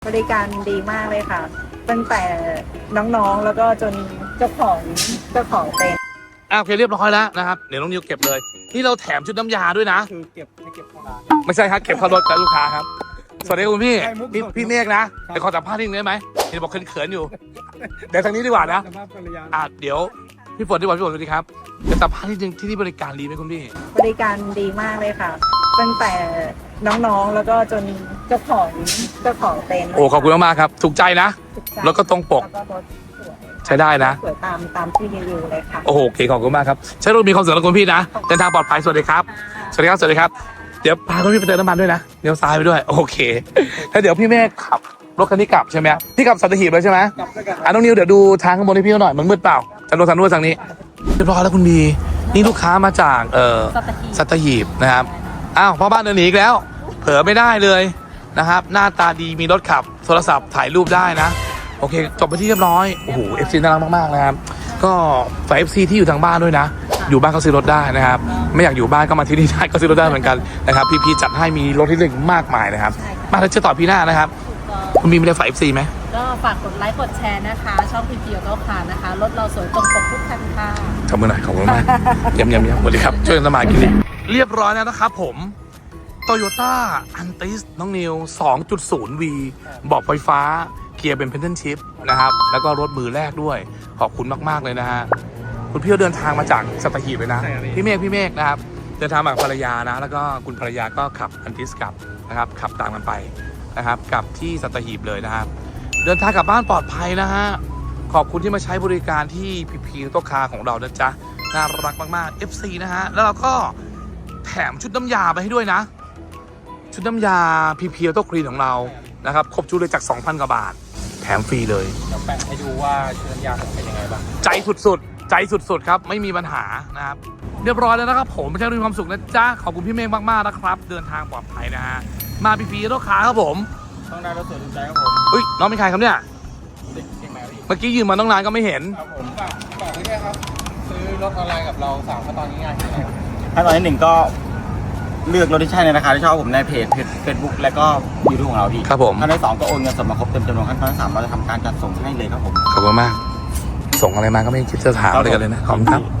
บริการดีมากเลยค่ะ ตั้งแต่น้องๆแล้วก็จนเจ้าของเต็นท์โอเคเรียบร้อยแล้วนะครับเดี๋ยวน้องนิวเก็บเลยนี่เราแถมชุดน้ำยาด้วยนะคือเก็บเข้าร้านไม่ใช่ครับเก็บเข้ารถกับลูกค้าครับสวัสดีคุณพี่ใช่มุกพี่เมฆนะเดี๋ยวขอสัมภาษณ์นิดนึงได้ไหมเห็นบอกเขินๆอยู่เดี๋ยวทางนี้ดีกว่านะสภาพภรรยาเดี๋ยวพี่ฝนดีกว่าพี่ฝนสวัสดีครับเดี๋ยวสัมภาษณ์นิดนึงที่นี่บริการดีไหมคุณพี่บริการดีมากเลยค่ะ ตั้งแต่น้องๆแล้วก็จนเจ้าของเต็นท์โอ้ขอบคุณมากๆครับถูกใจนะถูใจแล้วก็ตรงปกแล้วก็รถสวยใช้ได้นะสวยตามที่รีวิวเลยค่ะโอ้โหโอเคขอบคุณมากครับใช้รถมีความสุขนะคุณพี่นะเดินทางปลอดภัยสวัสดีครับสวัสดีครับสวัสดีครับเดี๋ยวพาคุณพี่ไปเติมน้ำมันด้วยนะเลี้ยวซ้ายไปด้วยโอเคแล้วเดี๋ยวพี่เมฆขับรถคันนี้กลับใช่ไหมพี่กลับสัตหีบเลยใช่ไหมกลับด้วยกันน้องนิวเดี๋ยวดูทางข้างบนให้พี่หน่อยมันมืดเปล่าทางโน้นทางนู้นทางนี้เรียบร้อยแล้วคุณบีนี่ลูกค้ามาจากสัตหีบนะครับอ้าวพ่อบ้านเดินหนีอีกแล้ว เผลอไม่ได้เลยนะครับหน้าตาดีมีรถขับโทรศัพท์ถ่ายรูปได้นะโอเคจบไปที่เรียบร้อยโอ้โห FC น่ารักมากๆนะครับก็ฝาก FC ที่อยู่ทางบ้านด้วยนะอยู่บ้านก็ซื้อรถได้นะครับไม่อยากอยู่บ้านก็มาที่นี่ได้ก็ซื้อรถได้เหมือนกันนะครับพี่ๆจัดให้มีรถที่เลือกมากมายนะครับมาแล้วเจอต่อพี่หน้านะครับคุณมีอะไรฝาก FC ไหมก็ฝากกดไลค์กดแชร์นะคะ ช่องพีพีก็ค่ะนะคะรถเราสวยตรงปกทุกคันค่ะขอบคุณหน่อยขอบคุณมากเยี่ยมสวัสดีครับช่วยกันสมากินดิเรียบร้อยแล้วนะครับผม Toyota Antis น้องนิว 2.0V เบาะไฟฟ้าเกียร์เป็น Pedal Shift นะครับแล้วก็รถมือแรกด้วยขอบคุณมากๆเลยนะฮะคุณพี่เดินทางมาจากสัตหีบเลยนะพี่เมฆนะครับเดินทางมากับภรรยานะแล้วก็คุณภรรยาก็ขับ Antis กลับนะครับขับตามกันไปนะครับกลับที่สัตหีบเลยนะครับเดินทางกลับบ้านปลอดภัยนะฮะขอบคุณที่มาใช้บริการที่พีพีโต๊ะคาของเรานะจ๊ะน่ารักมากๆ FC นะฮะแล้วเราก็แถมชุดน้ำยาไปให้ด้วยนะชุดน้ำยาพีพีโต๊ะคลีนของเรานะครับครบชุดเลยจาก 2,000 กว่าบาทแถมฟรีเลยเดี๋ยวแปะให้ดูว่าชุดน้ำยาผมเป็นยังไงบ้างใจสุดๆครับไม่มีปัญหานะครับเรียบร้อยแล้วนะครับผมใช้มีความสุขนะจ๊ะขอบคุณพี่เมฆมากๆนะครับเดินทางปลอดภัยนะฮะมาพีพีโต๊ะคาครับผมต้องได้รถสวยถูกใจครับผมอุ้ยน้องเป็นใครครับเนี่ยเด็กเชียงใหม่พี่เมื่อกี้ยืมมาตั้งนานก็ไม่เห็นครับผมฝากไว้ด้วยครับซื้อรถออนไลน์กับเรา3ขั้นตอนง่ายๆที่ไหนขั้นตอนที่1ก็เลือกรถที่ใช่ในราคาที่ชอบผมในเพจ Facebook และก็ยูทูบของเราพี่ครับผมขั้นตอนที่2ก็โอนเงินสดมาครบเต็มจำนวนขั้นตอนที่3เราจะทำการจัดส่งให้เลยครับผมขอบคุณมากส่งอะไรมาก็ไม่คิดจะถามอะไรกันเลยนะขอบคุณครับ